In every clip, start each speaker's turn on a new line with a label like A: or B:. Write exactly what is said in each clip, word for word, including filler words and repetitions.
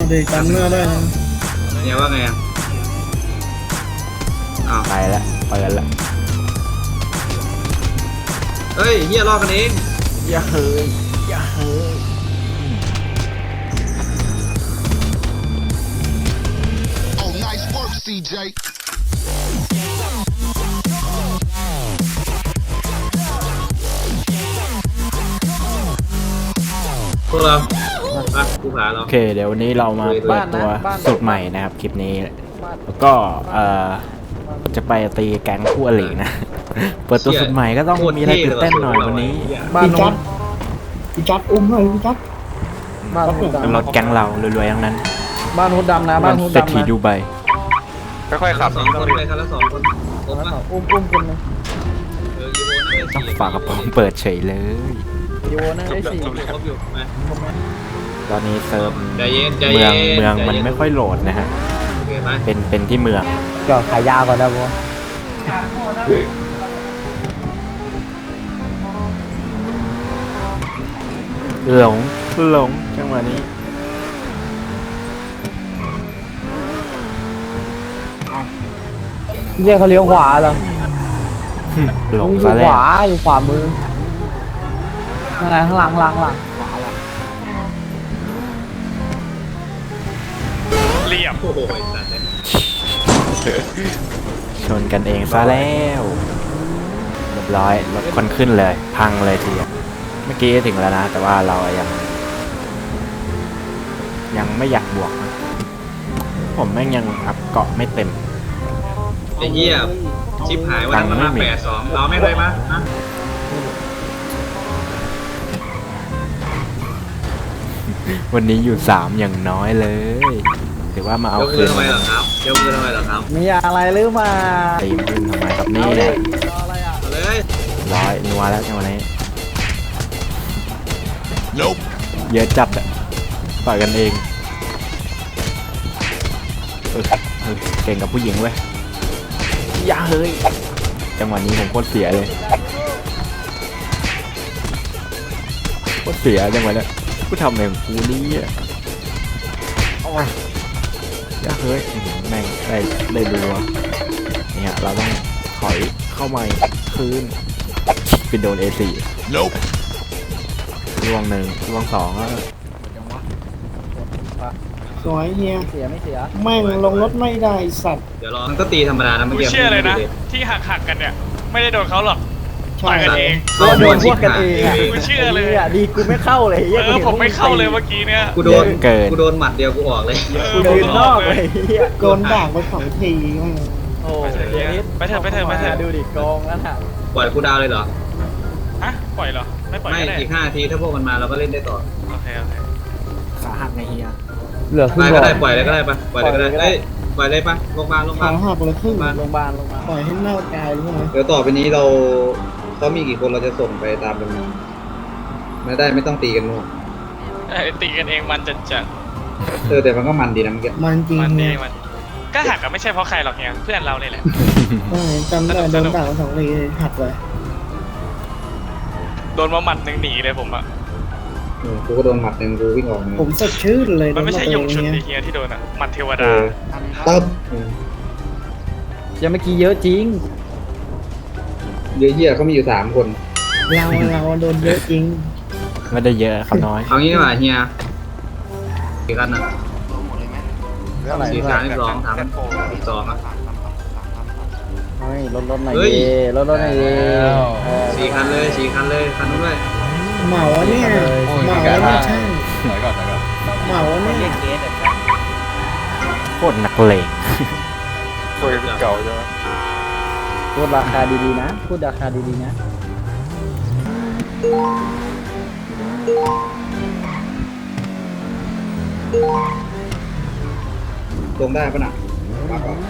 A: เด็กจำหน้าได้นะ
B: เนี่ยว่าไงอ่ะอ้าว
C: ไปแล้วเปิดละ
B: เฮ้ยเฮียลอกกันเอง
C: อย่าเฮ้ยอย่าเฮ้ย
D: Oh nice work ซี เจ
B: พวกเราอ่ะกูหาเรา
C: โอเคเดี๋ยววันนี้เรามาเปิดตัวสูตรใหม่นะครับคลิปนี้แล้วก็เอ่อจะไปตีแก๊งคู่อรินะเปิดตัวสูตรใหม่ก็ต้องมีอะไรตื่นเต้นหน่อยวันนี้
A: บ้านโน้นพี่จัดอุ้มหน่อยพี่จัดบ้านโน้น
C: เป็นรถแก๊งเรารวยๆทั้งนั้น
A: บ้านโน้นดำนะบ้านโน้น
C: เศรษ
A: ดำ
C: ฐี
A: นะ
C: ดูใบ
E: ค่อยๆขับ
B: สองคนไปคันละสองคนครบปะ
A: อุ้มอุ้มคนนึง
B: เออยูโรนั่งได้สี่
C: ฝากกระป๋องเปิดเฉยเลย
A: โยนั่งได้สี่
B: ครบอยู่มา
C: ตอนนี้เซิร์ฟ
B: ใจเย็นใจ
C: เมื
B: เย็
C: อง
B: น
C: เมืองมันไม่ค่อยโหลดนะฮะ
B: โอเคไหม
C: เป็นเป็นที่เมือง
A: ก็ขายยาวก่อนนะบัว
C: หลงหลงจังหวะนี้
A: เรียกเขาเลี้ยวขวาเหรอ
C: หลง
A: อยู่
C: ซะ
A: ข
C: แล้ว
A: วาอยู่ขวามืออะไรข้างหลังหลังหลัง
E: เรียบ
B: โอ้โหไอ้สัตว์เนี่ย
C: ชนกันเองซะแล้วเรียบร้อยรถคนขึ้นเลย พังเลยทีเดียวเมื่อกี้ถึงแล้วนะ แต่ว่าเรายัง ยังไม่อยากบวกนะผมแม่งยังอัพเกาะไม่เต็ม
B: ไอ้เหี้ยชิบหายวันนั้นมันมาแปดสองเราไม่เลยมะฮะ
C: วันนี้อยู่สามอย่างน้อยเลยถือว่ามาเอา
B: ยกมื
C: คื
B: อน ทำไมเหรอครับยกมือทำไมเหรอครับ
A: มีอะไรหรือมา
C: ตีมขึ้นทำไมครับนี่แหละ
A: อะไรอ่ะ
B: เอาเลย
C: ร้อยนัวแล้วจังหวะนี้
D: Nope
C: เยอะจัดอะต่อยกันเองเออเออเก่งกับผู้หญิงเว้ยอย่าเฮ้ยจังหวะนี้ผมโคตรเสียเลยโคตรเสียจังหวะเนี้ยกูทำอะไรของกูนี่อ่ะเอามาอย่าเฮ้ยอื้อหือแม่งได้ได้ดูวะเนี่ยเราต้องถอยเข้ามาคืนไปโดน เอ สี่
D: Nope
C: ล่วงหนึ่งล่วงสองแล้ว
A: สวยเฮียเสียไม่เสียแม่งลงรถไม่ได้สัตว์
B: เดี๋ยวรอมันก็ตีธรรมดานะเมื่อ
E: กู
B: กี้
E: เชื่อเลยนะ ที่หักหักๆกันเนี่ย ไม่ได้โดนเขาหรอก
A: ใช่
E: ต่อยกันเอง
A: เราโดนพวกกันเองอ่ะ
E: กูเชื่อเลย
A: อ่ะดีกูไม่เข้าเลย
E: เออผมไม่เข้าเลยเมื่อกี้เนี่ย
B: กูโดนกูโดนหมัดเดียวกูออกเลย
A: กูยืนนอกเลยเฮียโดนด่างไปสองทีมั่งโอ้
E: ไปเถอะไปเถอะไปเถอะ
A: ดูดิกองนั่นอ่ะ
B: ปล่อยกูดาวเลยเหรอ
E: ฮะปล่อยเหรอไม่ปล่อย
B: ไม่
E: ก็ได้
B: อีกห้านาทีถ้าพวกมันมาเราก็เล่นได้ต่อ
E: โอเคโอเค
C: ขาหักไงเฮีย
A: เหลือครึ่
B: ไป
A: ง
B: ก็ได้ปล่อยเลยก็ได้ปะปล่อยเลยก็ได้เอ้ยปล่อยเลยปะลงมาลง
A: ขา
B: มา
A: หักเลยครึ่งโรงพยาบาลโรงพยาบาลปล่อยให้เน่ากายรู้ไหม
B: เดี๋ยวต่อไปนี้เราเขามีกี่คนเราจะส่งไปตามจำนวนไม่ได้ไม่ต้องตีกันมั่ว
E: เอ้ยตีกันเองมันจะจะ
B: เออแต่มันก็มันดีนะเมื่อกี้
A: มันจริง
E: มันเอ
A: เนี่
E: ง
A: ย
E: มันก็หักกันไม่ใช่เพราะใครหรอกเนี่ยเพื่อนเราเนี่ยแหละ
A: เออจำได้โดนด่างไปสองทีหักเลย
E: โดนมาหมัดหนึ่งหนีเลยผมอะ
B: เออกูก็โดนหมัดหนึ่งกูวิ่งออกเลย
A: ผมสดชื่นเลย
E: มันไม่ใช่ยงชุน
A: เนี้
E: ดีเฮียที่โดนอะหมัดเทว
B: เอ
E: ดา
B: อตึ๊บเออ
A: ยังเมื่อกี้เยอะจริง
B: เยอะเยี่ยเขามีอยู่สามคน
A: เราเราโดนเยอะจริง
C: ไม่ได้เยอะครับน้อย
B: เอางี้ดีกว่าเฮียกี่กันอ่ะ
A: เท่าไหร่
B: สี่สามสิบสองสามสิบสองอ่ะ
A: เฮ้ยลดลดหน่อย
B: เฮ้ย
A: ดีลดลดหน่อยดีเออ
B: สี่คันเลยสี่คันเลยคันนู้นด้วย
A: เหมาเนี่ยเหมาเนี่ยใช่
E: ไหนก่อนไหนก่อน
A: เหมาเนี่ย
C: โคตรนักเลง
E: คุยเก่าใช่ไหม
A: พูดราคาดีๆนะพูดราคาดีๆนะ
B: ลงได้ปะน่ะมาก่อน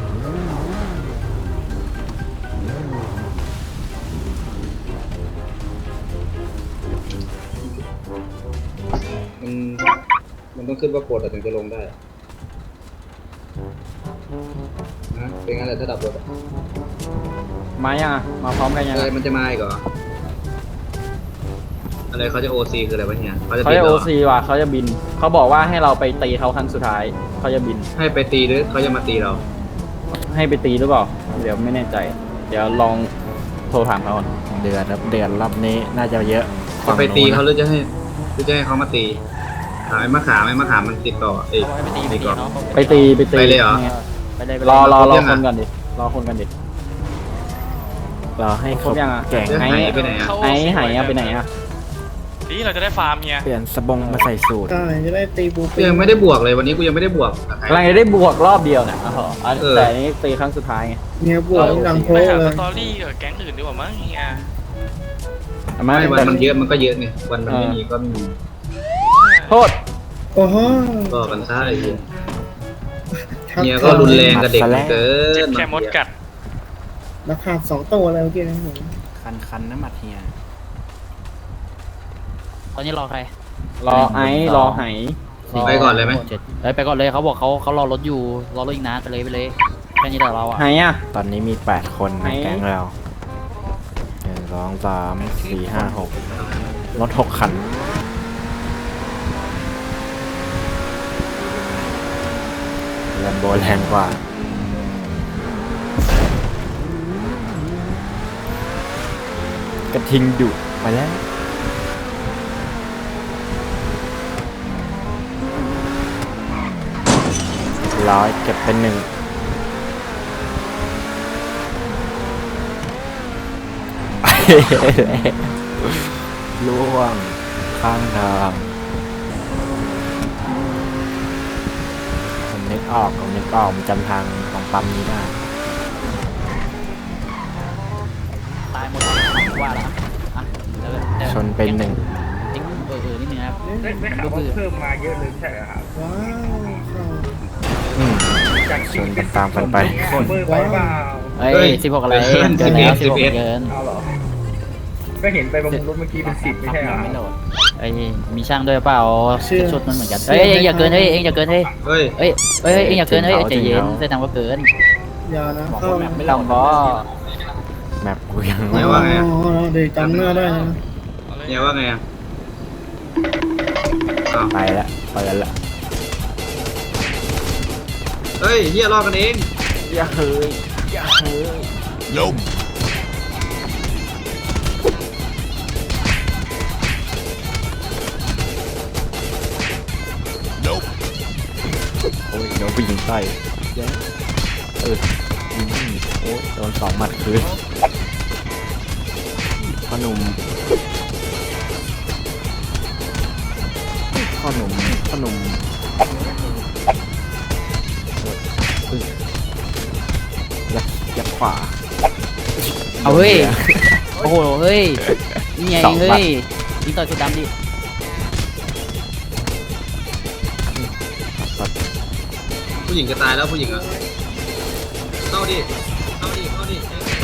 B: มันมันต้องขึ้นว่าปวดถึงจะลงได้นะเป็นงั้นแหละถ้าดับรถอะ
A: มายังมาพร้อมกันยัง
B: อะไรมันจะมาอีกเหรออะไรอะไรเขาจะโอซีคืออะไรวะเนี่ยเขาจะ
F: เขา
B: บิน
F: จะ
B: เหร
F: โอ
B: อ
F: ซีว่ะเขาจะบินเขาบอกว่าให้เราไปตีเขาครั้งสุดท้ายเขาจะบิน
B: ให้ไปตีหรือเขาจะมาตีเรา
F: ให้ไปตีหรือเปล่าเดี๋ยวไม่แน่ใจ เดี๋ยวลองโทรถามเขาก่อน
C: เดือนครับเดือนรอบนี้น่าจะเยอะ
B: จะไปตีเขาห
C: เลย
B: รือจะให้หรือจะให้เขามาตีถามไอ้มะขามไอ้มะขามมันติดต่อเอ้ยตีก่อน
F: ไปตีไปตี
B: ไปเลยเหรอ
F: ไปเลยรอรอรอคนก่อนดิรอคนกันดิ
C: เราให้
F: ครบยังอะ
C: แก่ง
B: เรื่อง
F: ไอ้
B: หายไปไหนอ่ะ
F: ไอ้หายอะไปไหนอะ
E: นี่เราจะได้ฟาร์มเฮีย
C: เปลี่ยนสบงมาใส่สูตร
A: ใช่จะได้ตีบู
B: กูยังไม่ได้บวกเลยวันนี้กูยังไม่ได้บวกกับใคร
F: กำลังจะได้บวกรอบเดียวเนี่ยอ๋ออัน
B: เออ
F: แต่อันนี้ตีครั้งสุดท้ายไง
A: เนี่ยบวกหลังโพ
E: ไปหา
A: เล
E: ส
A: ย
E: ตอรี่กับแก๊งอื่นดีกว่ามั้งเฮีย
F: เอา
B: ไม่
F: มา
B: วันมันเยอะมันก็เยอะไงวันมันไม่มีก็ไม่มี
F: โทษ
A: โอ้โห
B: ก็กันซะไอ้เหี้ยเนี่ยก็รุนแรงกับเด็กเกิ
E: เจ็บ
B: น
E: แค่มดกัด
A: ราคาสองตัวเลยเมื่อกี้นะผม
C: คันคันน้ำมัดเฮีย
G: ตอนนี้รอใคร
F: รอไอ้รอไห
B: ไปก่อนเลยไหม
G: เจ็ดเอ้ยไปก่อนเลยเขาบอกเขาเขารอรถอยู่รอรถอีกนานไปเลยไปเลยแค่นี้แหละเราอ่ะ
F: ไหอะ
C: ตอนนี้มีแปดคนใน
F: ไหน
C: แก๊งเราหนึ่งสองสามสี่ห้าหกรถหกคันแลมโบแรงกว่ากระทิงดุไปแล้วร้อยเก็บเป็นหนึ่ง ล่วงข้างทางผมนึกออกผมนึกออกผมจำทางของปั๊มนี้ได้
G: ตายหมดเลยว่าแล้วอ่ะเดี๋ยวดี๋ยว
C: ชนเป็นหนึ่ง
G: เอ็งเออเออนิดนึงนะครับ
H: ได้ได้ข่าวว่าเพิ่มมาเยอะเลยใช่ไหมครับ
A: ว้าวเข้า
C: อืม
H: จาก
C: ชนกันตามกันไป
H: เพิ่มไปเปล่า
G: เอ้ยสิบหกอะไรเกินแล้วสิบหกเกิน
H: เอาเหรอ ก็เห็นไปประมูลรถเมื่อกี้เป็นสิบไม่ใช่เหรอ
G: ไม่โหลดไอ้ยมีช่างด้วยเปล่าชุดมันเหมือนกันเฮ้ยเอ็งอย่าเกินเฮ้ยเอ็งอย่าเกินเฮ้ย
B: เฮ้ย
G: เอ้ยเอ้ยเอ็งอย่าเกินเฮ้ยใจเย็นแสดงว่าเกิน
A: อย่านะ
G: บอก
A: เข้า
G: ว่าแบบไม่
F: ต้
G: ล
F: อ
G: อง ง
F: บอ
C: แมปกูยัง
B: ไหนว่าไงอะ
A: อ๋อเดี๋ยวจำหน้าได้นะ
B: เนี่ยว่าไงอ่ะอ้าว
C: ไปแล้วไปแล้วละ
B: เฮ้ยเฮียลอกกันเอง
C: อย่าเฮ้ยอย่าเฮ้ย
D: Nope. Nope.
C: โอ้ยโดนผู้หญิงใส่เย้เอออืมโอ้ยโดนสองหมัดคืนพ่อหนุ่มพ่อหนุ่มพ่อหนุ่มโอ้ยยักยักขวา
G: เอาเฮ้ยโอ้โหเฮ้ยนี่ไงเฮ้ยยิงต่อยชุดดำดิ
B: ผู้หญิงจะตายแล้วผู้หญิงอ่ะเข้าดิเข้าดิเข้าดิ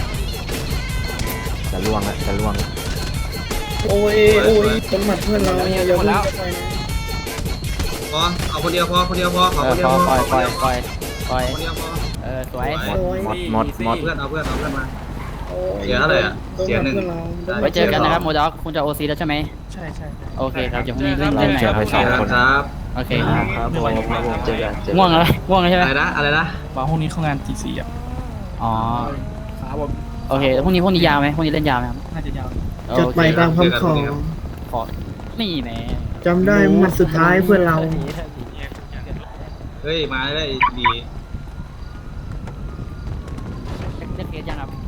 C: จะล่วงละจะล่วงละ
A: โอ้ยโอ้ยคนหมัดเพื่อนเราอย่าเพิ่งจะไปนะ
B: พอเอาคนเดียวพอคนเดียวพอ
G: เอ
B: เอา
G: อ
B: คนเดียว
G: ป
B: พ
G: ล่
B: อ
G: อยปล่อยปล่อยปล่อย
B: คนเดียวพอ
G: เออสวย
C: หมดหมดหมด
B: เพื่อนเอาเพื่อนเอาเพื่อนมา
A: โอ้ย
B: เสียเท่าไหร่อะ
A: โดน
B: เสียหนึ่ง
A: เพื่อนเราโดน
G: ไว้เจอกันนะครับโมด็อกคุณจะโอซีแล้วใช่ไหม
H: ใช่ใช่
G: โอเคครับเดี๋ยวพรุ่งนี้เล่นเล่นใหม่
C: เจอไปสองคน
B: ครับ
G: โอเค
C: ครับผมเจอกันเจอ
G: ง่วงอะไรง่วงแล้วใช่ไหม
B: อะไรนะอะไรนะ
H: มาห้องนี้เข้างานตีสี่อ่ะ
G: อ๋อ
H: ครับผม
G: โอเคพรุ่งนี้พรุ่งนี้ยาวไหมพรุ่งนี้เล่นยาวไหมครับ
H: น่าจะยาว
A: จัด
G: โอ
A: ไป
G: เค
A: ตามคำขอ
G: ขอนี่แหม
A: จำได้หมัดสุดท้ายเพื่อนเรา
B: เฮ้ยมาได้ดี
G: เล่นเกมยังครับ